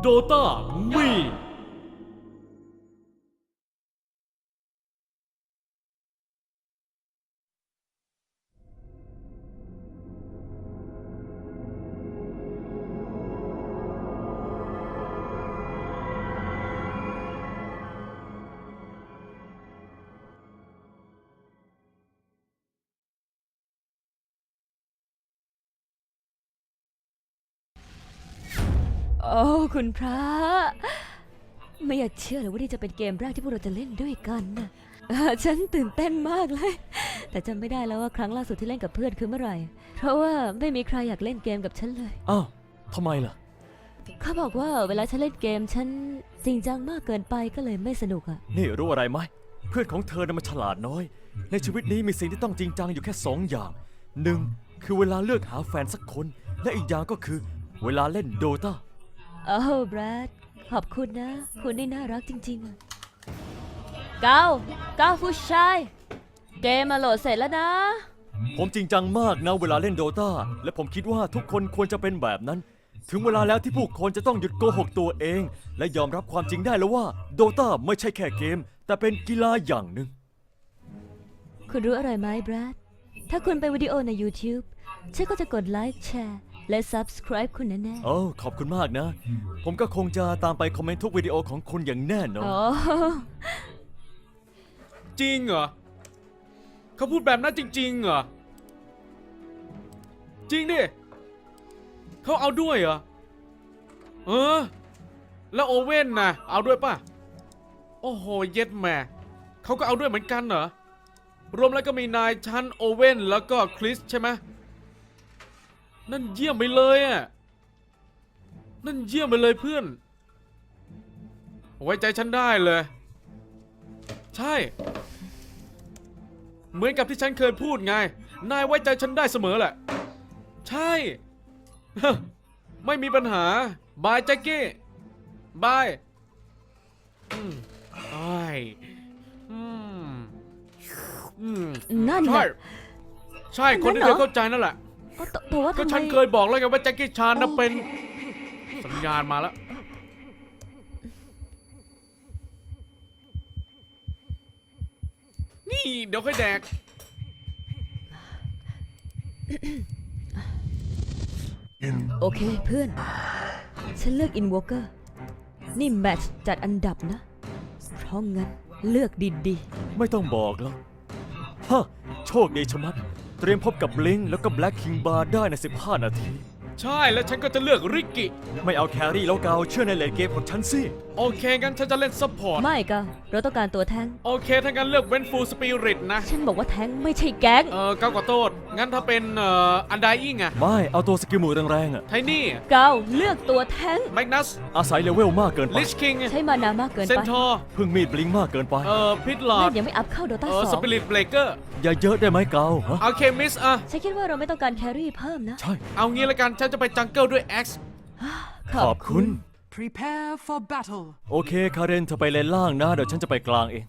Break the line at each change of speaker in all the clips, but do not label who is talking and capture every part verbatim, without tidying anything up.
Dota มี
โอ้คุณพระไม่อยากเชื่อเลยว่านี่จะเป็นเกมแรกที่พวกเราจะเล่นด้วยกันนะเอ่อฉันตื่นเต้นมากเลย แต่จำไม่ได้แล้วว่าครั้งล่าสุดที่เล่นกับเพื่อนคือเมื่อไหร่เพราะว่าไม่มีใครอยากเล่นเกมกับฉันเลย
อ้าวทำไมล่ะ
เขาบอกว่าเวลาฉันเล่นเกมฉันจริงจังมากเกินไปก็เลยไม่สนุกอะ
นี่รู้อะไรไหมเพื่อนของเธอน่ะมันฉลาดน้อย ในชีวิตนี้มีสิ่งที่ต้องจริงจังอยู่แค่สองอย่างหนึ่งคือเวลาเลือกหาแฟนสักคน และอีกอย่างก็คือเวลาเล่นโดตา
โอ้แบรดขอบคุณนะ คุณนี่น่ารักจริงๆอะเก้าเก้าผู้ชายเกมมาโหลดเสร็จแล้วนะ
ผมจริงจังมากนะเวลาเล่นโดตาและผมคิดว่าทุกคนควรจะเป็นแบบนั้น ถึงเวลาแล้วที่ผู้คนจะต้องหยุดโกหกตัวเอง และยอมรับความจริงได้แล้วว่าโดตาไม่ใช่แค่เกม แต่เป็นกีฬาอย่างหนึ่ง
คุณรู้อะไรไหมแบรดถ้าคุณไปวิดีโอใน YouTube ฉันก็จะกดไลค์แชร์และ Subscribe คุณแน่ๆ
โอ้ขอบคุณมากนะ ผมก็คงจะตามไปคอมเมนต์ทุกวิดีโอของคุณอย่างแน่นอน
อ๋อ
จริงเหรอเขาพูดแบบนั้นจริงๆเหรอจริงดิเขาเอาด้วยเหรอเออแล้วโอเว่นนะเอาด้วยป่ะโอ้โหเย็ดแม่เขาก็เอาด้วยเหมือนกันเหรอรวมแล้วก็มีนายชั้นโอเว่นแล้วก็คริสใช่ไหมนั่นเยี่ยมไปเลยอ่ะนั่นเยี่ยมไปเลยเพื่อนไว้ใจฉันได้เลยใช่เหมือนกับที่ฉันเคยพูดไง นายไว้ใจฉันได้เสมอแหละ ใช่ ไม่มีปัญหา บายแจ็คกี้ บาย อืมไอ้ายอืมอืม
นั่น
ใช่
น่ะ
ใช่ คนที่
นั่
เธ
น
อ
เหรอ
เข้าใจนั่นแหละ
อ๋อแต่แต่ว่า
ก็
ทำไม
ฉันเคยบอกแล้วไงว่าแจ็คกี้ชานน่ะเป็น สัญญาณมาแล้ว นี่ เดี๋ยวค่อยแดก
โอเคเพื่อน ฉันเลือก Invoker นี่แมทช์จัดอันดับนะ เพราะงั้นเลือกดี
ไม่ต้องบอกแล้วฮะโชคดีชะมัด เตรียมพบกับ Blink แล้วก็ Black King Bar ได้ในสิบห้านาที
ใช่ แล้วฉันก็จะเลือกริกกี้
ไม่เอาแครี่แล้วเกาเชื่อในเลนเกมของฉันสิ
โอเค งั้นฉันจะเล่นซัพพอร์ต
ๆ ไม่ก็เราต้องการตัวแทงค์
โอเค ถ้างั้นเลือกเวนฟูสปิริตนะ
ฉันบอกว่าแทงค์ไม่ใช่แก๊ง
เออเก้าขอโทษ งั้นถ้าเป็นเอ่ออันไดอิงอะ
ไม่เอาตัวสกิลหมูแรงๆอะ
ไทนี่
เกาเลือกตัวแทงค์
แมกนัส
อาศัยเลเวลมากเกินไป
ลิชคิง
ใช้มานามากเกิน
เซน
ไป
ทอร์
พึ่งมีด Blink มากเกินไป
เอ่อพิทลอ
นั่
ด
นยังไม่อัพเข้าโด
เอ
ต้า
อ
ส
ส
อง
ปิริตเบรกเกอร์
อย่าเยอะได้ไหมเกาฮะ
เอาเคมิสอะ
ฉันคิดว่าเราไม่ต้องการแครี่เพิ่มนะ
ใช่
เอางี้ละกัน ฉันจะไปจังเกิลด้วย X
ข
ข
อ
อ
บบ คุ
คุณ ณ
Prepare for battle.
โอเคคาเรนเธอไปเลนล่างนะ เดี๋ยวฉันจะไปกลางเอง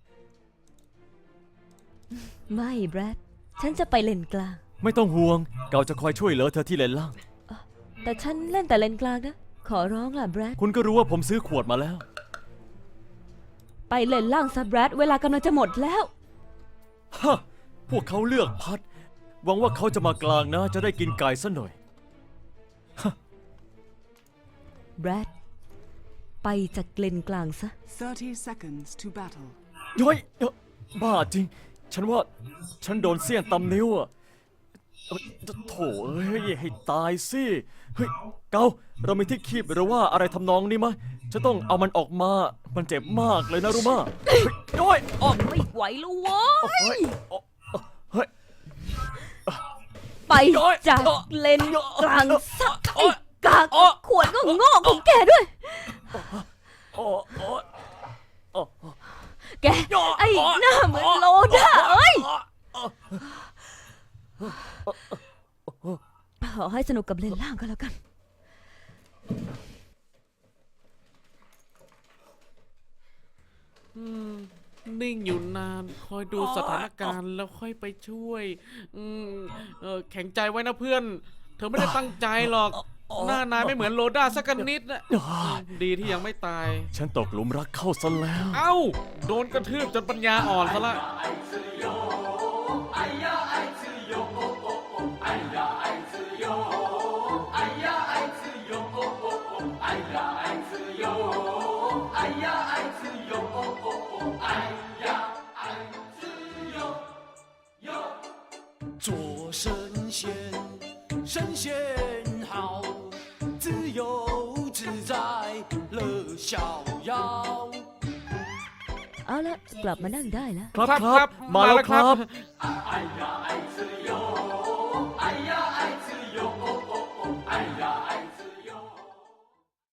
ไม่แบรดฉันจะไปเลนกลาง
ไม่ต้องห่วง เกาจะคอยช่วยเหลือเธอที่เลนล่าง
แต่ฉันเล่นแต่เลนกลางนะ ขอร้องล่ะแบรด
คุณก็รู้ว่าผมซื้อขวดมาแล้ว
ไปเลนล่างซะแบรดเวลากำลังจะหมดแล้ว
ฮะ พวกเขาเลือกพัด หวังว่าเขาจะมากลางนะ จะได้กินไก่ซะหน่อย
แบรดไปจากเลนกลางซะ
thirty seconds to battle.
ย้อยเอ้อบ้าจริง ฉันว่า ฉันโดนเสี้ยนตำนิ้วอะเอ้ยโถเอ้ย ให้ตายสิ เฮ้ย เกา เรามีที่คีบหรือว่าอะไรทำนองนี้ไหมฉันต้องเอามันออกมา มันเจ็บมากเลยนะรู้มาเฮ้ยย้อยอ๋อ
ไม่ไหวแล้วเว้
เฮ้
ย
ยอ๋อเฮ้ย
ไปจากเลนกลางซะไอ้กากขวดก็งอกของแกด้วย
อ๋ออ๋ออ๋อ
แก ไอ้หน้าเหมือนโลด้าเอ้ย ขอให้สนุกกับเลนล่างก็แล้วกัน
อืมนิ่งอยู่นาน คอยดูสถานการณ์แล้วค่อยไปช่วย อืมเออแข็งใจไว้นะเพื่อน เธอไม่ได้ตั้งใจหรอกหน้านายไม่เหมือนโลด้าสักนิดนะ
อ่า
ดีที่ยังไม่ตาย
ฉันตกหลุมรักเข้าซะแล้ว
เอ้า โดนกระทืบจนปัญญาอ่อนซะละ
做神仙，神仙好，自由自在乐逍遥。
เอาละกลับมานั่งได้แล้ว
ครับ
ครับ
ครับ มาแล้วครับ
มาแล้ว